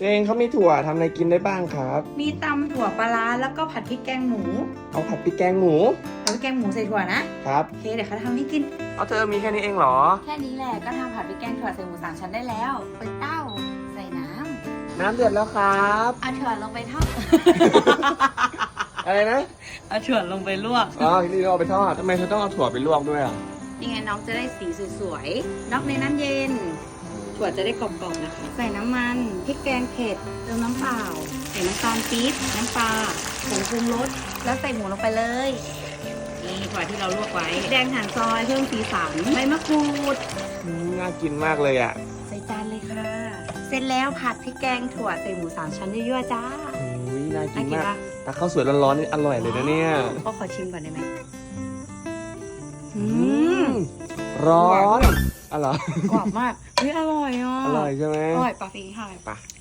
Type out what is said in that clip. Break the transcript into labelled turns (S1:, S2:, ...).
S1: ตัวเองเขามีถั่วทำอะไรกินได้บ้างครับ
S2: มีตำถั่วปลาร้าแล้วก็ผัดพริกแกงหมู
S1: เอาผัดพริกแกงหมู
S2: ผัดพริกแกงหมูใส่ถั่วนะครับ โอเคเดี๋ยวเขาทำให้กิน
S1: เอาเธอมีแค่นี้เองเหรอ
S2: แค่นี้แหละก็ทำผัดพริกแกงถั่วใส่หมู3 ชั้นได้แล้วเปิดเต้าใส่น้ำ
S1: น้ำเดือดแล้วครับ
S2: เอาถั่วลงไปทอด
S1: อะไรนะ
S2: เอาถั่วลงไปลวก
S1: อ๋อนี่เราเอาไปทอดทำไมเธอต้องเอาถั่วไปลวกด้วยอ่ะ
S2: ยังไงน้องจะได้สีสวยๆน็อกในน้ำเย็นถั่วจะได้กรอบๆนะคะ ใส่น้ำมันพริกแกงเผ็ดเติมน้ำเปล่าใส่น้ำตาลปี๊บน้ำปลาผงปรุงรสแล้วใส่หมูลงไปเลยนี่ถั่วที่เราลวกไว้แดงหั่นซอยเพิ่มสีสันใบมะกรูด
S1: น่ากินมากเลยอ่ะ
S2: ใส่จานเลยค่ะ เสร็จแล้วผัดพริกแกงถั่วใส่หมู3 ชั้นยั่วๆจ้า
S1: อุ้ยน่ากิ
S2: น่าน กิน
S1: มาก
S2: ปะ
S1: แต่ข้าวสวยร้อนๆนี่อร่อยเลยนะเนี่ย
S2: ก็ขอชิมก่อนได้ไหม
S1: อืมร้อนอ๋อเหรอก
S2: รอบมากเฮ้ยอร่อยอ่ะ
S1: อร่อยใช่ไหม
S2: อร่อยปะฟิงค่ะ
S1: ไป